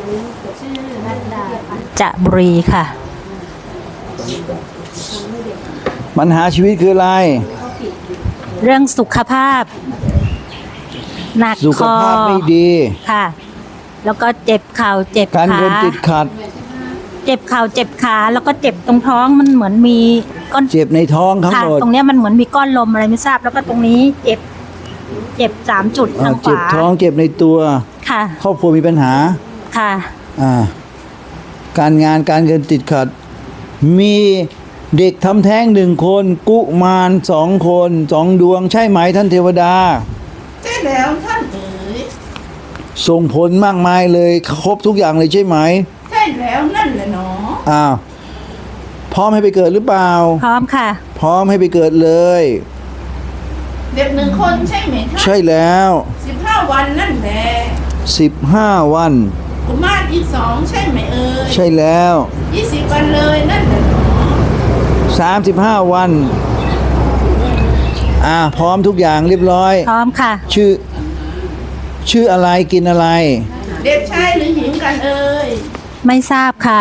จะบุรีค่ะปัญหาชีวิตคืออะไรเรื่องสุขภาพหนักสุคขอภาพไม่ดีค่ะ แล้วก็เจ็บเข่าเจ็บการขาเงินติดขัดเจ็บเข่าเจ็บขาแล้วก็เจ็บตรงท้องมันเหมือนมีก้อนเจ็บในท้องทั้งค่ะหมดตรงเนี้ยมันเหมือนมีก้อนลมอะไรไม่ทราบแล้วก็ตรงนี้เจ็บ3 จุดทางขเจ็บวาท้องเจ็บในตัวค่ะครอบครัวมีปัญหาค่ะการงานการเงินติดขัด มีเด็กทำแท้ง1 คนกุมาร2 คน2 ดวงใช่ไหมท่านเทวดาใช่แล้วท่านเอ๋ยส่งผลมากมายเลยครบทุกอย่างเลยใช่ไหมใช่แล้วนั่นแหละเนาะพร้อมให้ไปเกิดหรือเปล่าพร้อมค่ะพร้อมให้ไปเกิดเลยเด็ก1 คนใช่ไหมท่านใช่แล้ว 15 วันนั่นแหละ 15 วันกุมารอีก2ใช่ไหมเอ๋ยใช่แล้ว 20 วันเลยนั่นแหละเนาะ 35 วันพร้อมทุกอย่างเรียบร้อยพร้อมค่ะชื่ออะไรกินอะไรเด็กชายหรือหญิงกันเอ๋ยไม่ทราบค่ะ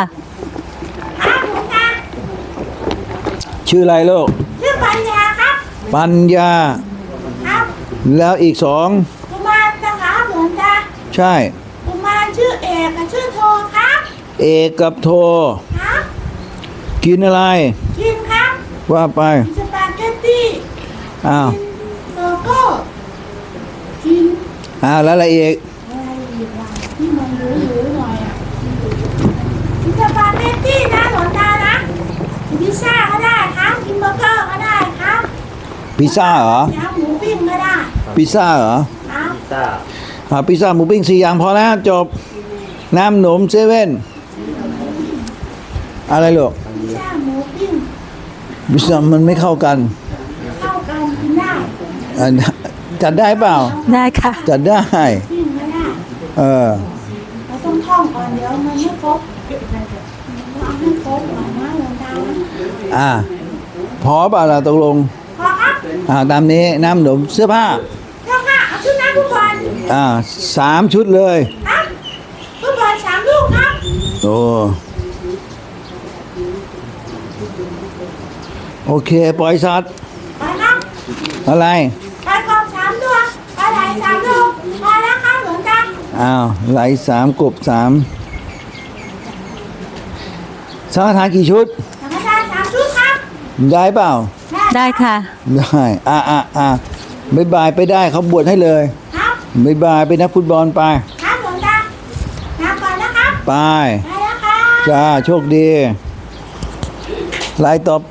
ชื่ออะไรลูกชื่อปัญญาครับปัญญาครับแล้วอีก2 กุมารนะคะหลวงตาใช่กุมารชื่อเอกกับชื่อโทครับเอกกับโทครับกินอะไรกินครับว่าไปสปาเกตตี้อ้าวเบอร์เกอร์กินแล้วอะไรอีกอะไรอีกล่ะที่มันหรือหน่อยอ่ะกินสปาเกตตี้นะหลวงตานะกินพิซซ่าก็ได้ครับกินเบอร์เกอร์ก็ได้ครับพิซซ่าเหรอน้ำหมูปิ้งก็ได้พิซซ่าเหรอครับพิซซ่าหมูปิ้ง4 อย่างพอแล้วจบ น้ำหนมเซเว่นอะไรลูกพิซซ่าหมูปิ้งพิซซ่ามันไม่เข้ากันเข้ากันกินได้จัดได้เปล่าได้ค่ะจัดได้ปิ้งก็ได้ เราต้องท่องก่อนเดี๋ยวมันไม่ครบเอาให้ครบก่อนนะหลวงตานะพอเปล่าล่ะตกลงพอครับตามนี้น้ำหนมเสื้อผ้าเจ้าค่ะเอาชุดน้ำผู้บอล 3 ชุดเลยครับผู้บอล3 ลูกครับโอเค ปล่อยสัตว์ไปครับอะไรไปกบ3 ตัวไปไหล3 ลูกพอแล้วครับหลวงตาไหล3 กบ 3สังฆทานกี่ชุดสังฆทาน3 ชุดครับได้เปล่าได้ค่ะได้บ๊ายบายไปได้เขาบวชให้เลยครับบ๊ายบายไปนักฟุตบอลไปครับหลวงตาลาก่อนนะครับไปไปแล้วครับจ้า โชคดี รายต่อ